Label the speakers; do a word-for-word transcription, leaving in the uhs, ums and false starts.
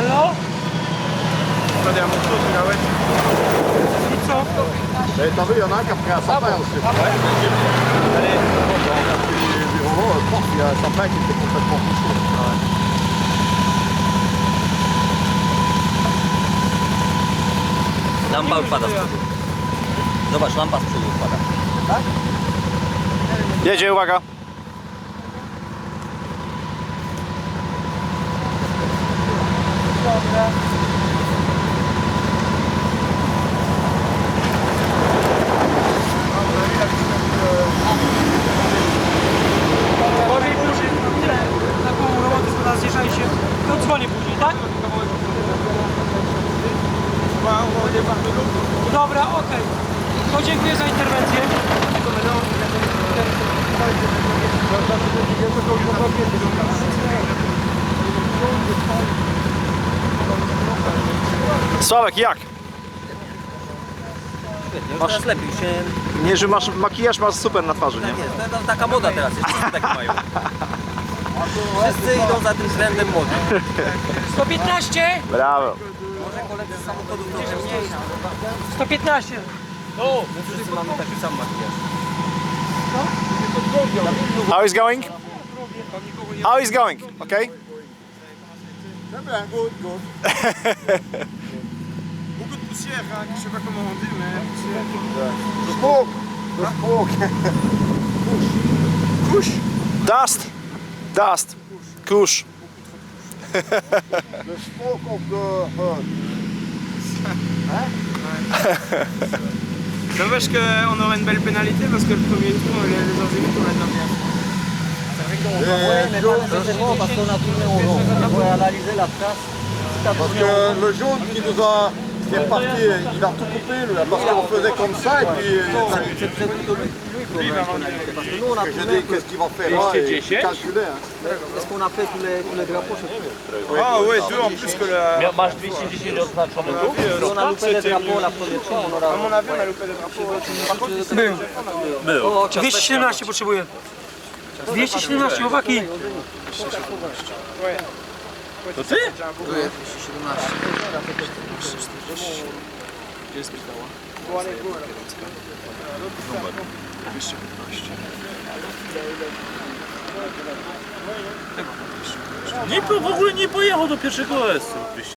Speaker 1: Halo? I co?
Speaker 2: T'as vu, il y en a un qui a pris un sapin aussi. Allez, du Roro, prof, il y a un sapin qui était complètement couché.
Speaker 3: Lampa odpada z przodu. Zobacz, lampa z przodu odpada. Tak?
Speaker 4: Jedzie, uwaga.
Speaker 1: Dobra. Gorzej później, tyle, na pół roboty teraz zjeżdżajcie. To dzwonię później, tak? Dobra, okej. Okay. To dziękuję za interwencję.
Speaker 4: Sławek, jak?
Speaker 3: Świetnie, już teraz lepiej się...
Speaker 4: Nie, że masz makijaż, masz super na twarzy,
Speaker 3: Tak
Speaker 4: nie?
Speaker 3: jest, to, to taka moda teraz jest, wszyscy tak mają. Wszyscy idą za tym trendem mody.
Speaker 1: sto piętnaście!
Speaker 4: Brawo.
Speaker 3: Może koledzy z samochodów trochę mniej.
Speaker 1: sto piętnaście!
Speaker 3: My wszyscy mamy taki sam makijaż.
Speaker 4: How is going? How is going? Okay?
Speaker 2: Très bien, good, good.
Speaker 5: Beaucoup de poussière, hein, je sais pas comment on dit, mais poussière.
Speaker 2: Smoke, the smoke.
Speaker 5: Couche.
Speaker 4: Dust. Dust. Kusz.
Speaker 2: The smoke of the herd.
Speaker 5: Dommage qu'on aurait une belle pénalité parce que le premier tour, les, les deuxièmes tours, on l'a bien.
Speaker 3: Ouais, mais pas nécessairement parce qu'on a tourné au rond. Il faut analyser la trace.
Speaker 2: Parce que le jaune qui nous a, qui est parti, il a tout coupé, lui, parce qu'on faisait comme ça, et puis
Speaker 3: C'est c'est plutôt lui, lui qu'on a analysé. Parce que nous, on a
Speaker 2: j'ai
Speaker 3: tourné.
Speaker 2: dit qu'est-ce qu'il va faire là, et j'ai calculé. Hein.
Speaker 3: Est-ce qu'on a fait tous les, tous les drapeaux? Je sais
Speaker 5: Ah ouais, deux en plus que la...
Speaker 6: Masz dwieście dziesięć oznaczonych tu?
Speaker 3: pas. Si on a loupé les drapeaux la première fois, on aura...
Speaker 5: À mon avis, on a loupé des drapeaux. Par contre, ici,
Speaker 1: Był.
Speaker 3: O,
Speaker 1: dwieście siedemnaście potrzebuję. dwieście siedemnaście, chłopaki.
Speaker 6: To ty? Nie, w ogóle nie pojechał do pierwszego S.